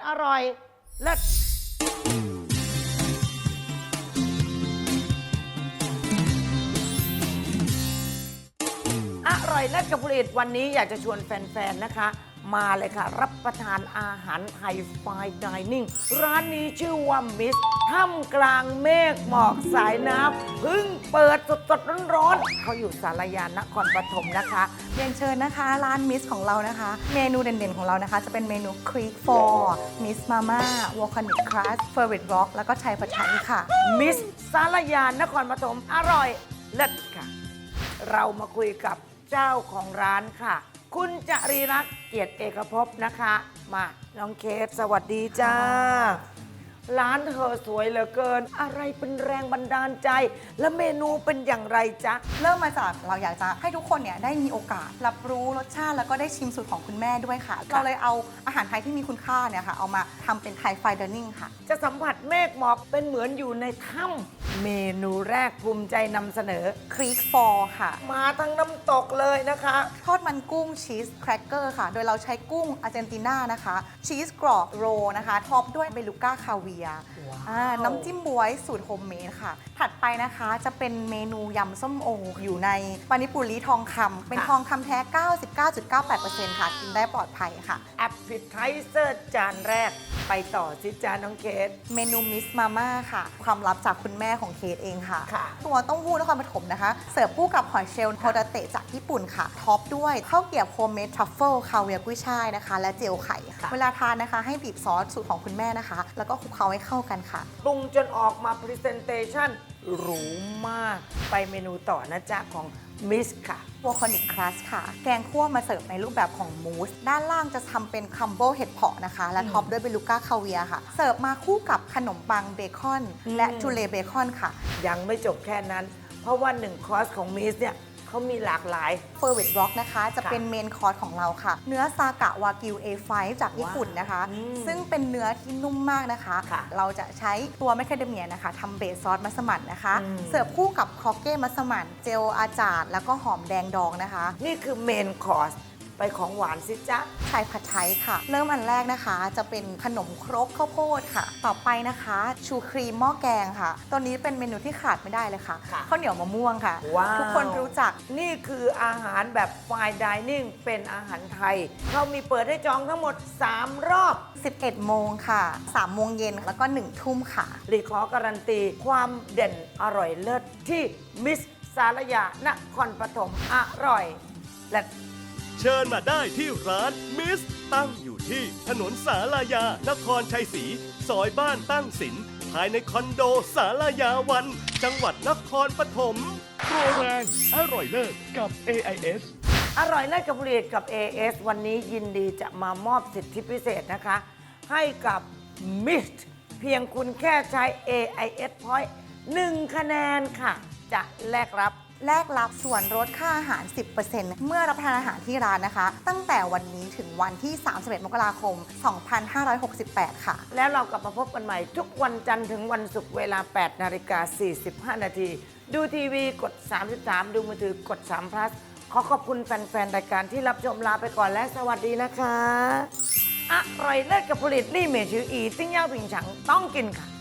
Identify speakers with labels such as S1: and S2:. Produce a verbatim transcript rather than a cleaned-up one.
S1: อร่อยเลิศอร่อยเลิศกับผลิตวันนี้อยากจะชวนแฟนๆนะคะมาเลยค่ะรับประทานอาหารไทยไฟน์ไดนิ่งร้านนี้ชื่อว่ามิสท่ามกลางเมฆหมอกสายน้ำเพิ่งเปิดสดๆร้อนๆเขาอยู่สารยานครปฐมนะคะ
S2: เรียนเชิญนะคะร้านมิสของเรานะคะเมนูเด่นๆของเรานะคะจะเป็นเมนูครีกฟอร์มิสมาม่าวอลคานิกครัสเฟอร์วิตร็อกแล้วก็ไทยผัดไทยค่ะ
S1: มิสสารยานครปฐมอร่อยเลิศค่ะเรามาคุยกับเจ้าของร้านค่ะคุณจรีรักษ์เกียรติเอกภพนะคะมาน้องเคสสวัสดีจ้าร้านเธอสวยเหลือเกินอะไรเป็นแรงบันดาลใจและเมนูเป็นอย่างไรจ๊ะ
S2: เริ่มมาจากเราอยากจะให้ทุกคนเนี่ยได้มีโอกาสรับรู้รสชาติแล้วก็ได้ชิมสูตรของคุณแม่ด้วยค่ะเราเลยเอาอาหารไทยที่มีคุณค่าเนี่ยค่ะเอามาทำเป็นไทยไฟน์ไดนิ่งค่ะ
S1: จะสัมผัสเมฆหมอกเป็นเหมือนอยู่ในถ้ำเมนูแรกภูมิใจนำเสนอ
S2: ครีกฟอร์ค่ะ
S1: มาทั้งน้ำตกเลยนะคะ
S2: ทอดมันกุ้งชีสแครกเกอร์ค่ะโดยเราใช้กุ้งอาร์เจนตินานะคะชีสกรอบโรนะคะท็อปด้วยเบลูก้าคาเวียร์น้ำจิ้มบวยสูตรโฮมเมดค่ะถัดไปนะคะจะเป็นเมนูยำส้มโออยู่ในปานิปุรีทองคำเป็นทองคำแท้ เก้าสิบเก้าจุดเก้าแปดเปอร์เซ็นต์ ค่ะกินได้ปลอดภัยค่ะ
S1: แอปเปิลไทเซอร์จานแรกไปต่อสิจานน้องเคส
S2: เมนูมิสมาม่าค่ะความลับจากคุณแม่ของเคสเองค่ะตัวเต้าหู้นครปฐมนะคะเสิร์ฟคู่กับหอยเชลล์โฮตาเตะจากญี่ปุ่นค่ะท็อปด้วยข้าวเกรี๊ยวโฮมเมดทรัฟเฟิลคาเวียร์กุ้ยช่ายนะคะและเจลไข่ค่ะเวลาทานนะคะให้บีบซอสสูตรของคุณแม่นะคะแล้วก็คลุกเคล้าให้เข้ากันค่ะ
S1: ปรุงจนออกมาพรีเซนเตชันหรูมากไปเมนูต่อนะจ๊ะของมิสค่ะ
S2: วอลคานิกครัสค่ะแกงคั่วมาเสิร์ฟในรูปแบบของมูสด้านล่างจะทำเป็นคัมโบเห็ดเผาะนะคะและท็อปด้วยเบลูก้าคาเวียค่ะเสิร์ฟมาคู่กับขนมปังเบคอนและทูเลเบคอนค่ะ
S1: ยังไม่จบแค่นั้นเพราะว่าหนึ่งคอร์สของมิสเนี่ยเขามีหลากหลาย
S2: เฟอร์วิตร็อกนะคะจะเป็นเมนคอร์สของเราค่ะเนื้อซากะวากิว เอ ไฟว์ จากญี่ปุ่นนะคะซึ่งเป็นเนื้อที่นุ่มมากนะคะเราจะใช้ตัวแมคคาเดเมียนะคะทำเบสซอสมัสมั่นนะคะเสิร์ฟคู่กับครอกเก้มัสมั่นเจลอาจาดแล้วก็หอมแดงดองนะคะ
S1: นี่คือเมนคอร์สไปของหวานสิจ๊ะ
S2: ไทยผัดไทยค่ะเริ่มอันแรกนะคะจะเป็นขนมครกข้าวโพดค่ะต่อไปนะคะชูครีมหม้อแกงค่ะตัวนี้เป็นเมนูที่ขาดไม่ได้เลยค่ะข้าวเหนียวมะม่วงค่ะทุกคนรู้จัก
S1: นี่คืออาหารแบบไฟน์ไดนิ่งเป็นอาหารไทยเขามีเปิดให้จองทั้งหมดสามรอบ
S2: สิบเอ็ดโมงค่ะสามโมงเย็นแล้วก็หนึ่งทุ่มค่ะ
S1: รีขอการันตีความเด่นอร่อยเลิศที่มิสสารยานครปฐมอร่อยและ
S3: เชิญมาได้ที่ร้านมิสตั้งอยู่ที่ถนนสารยานครชัยศรีซอยบ้านตั้งสินภายในคอนโดสารยาวันจังหวัดนครปฐมโปรแรงอร่อยเลิศกับ เอ ไอ เอส
S1: อร่อยเลิศกับผลิตกับ เอ เอส วันนี้ยินดีจะมามอบสิทธิพิเศษนะคะให้กับมิสเพียงคุณแค่ใช้ เอ ไอ เอส Point หนึ่งคะแนนค่ะจะแลกรับ
S2: แลกรับส่วนลดค่าอาหาร สิบเปอร์เซ็นต์ เมื่อรับประทานอาหารที่ร้านนะคะตั้งแต่วันนี้ถึงวันที่ สามสิบเอ็ด มกราคม สองพันห้าร้อยหกสิบแปด ค่ะ
S1: แล้วเรากลับมาพบกันใหม่ทุกวันจันทร์ถึงวันศุกร์เวลา แปดนาฬิกาสี่สิบห้า นาทีดูทีวีกดสามสิบสามดูมือถือกดสาม plus ขอขอบคุณแฟนๆรายการที่รับชมลาไปก่อนและสวัสดีนะคะอร่อยเลิศกับผลิตลี่เมชืออีติ้งย่าผิงฉังต้องกินค่ะ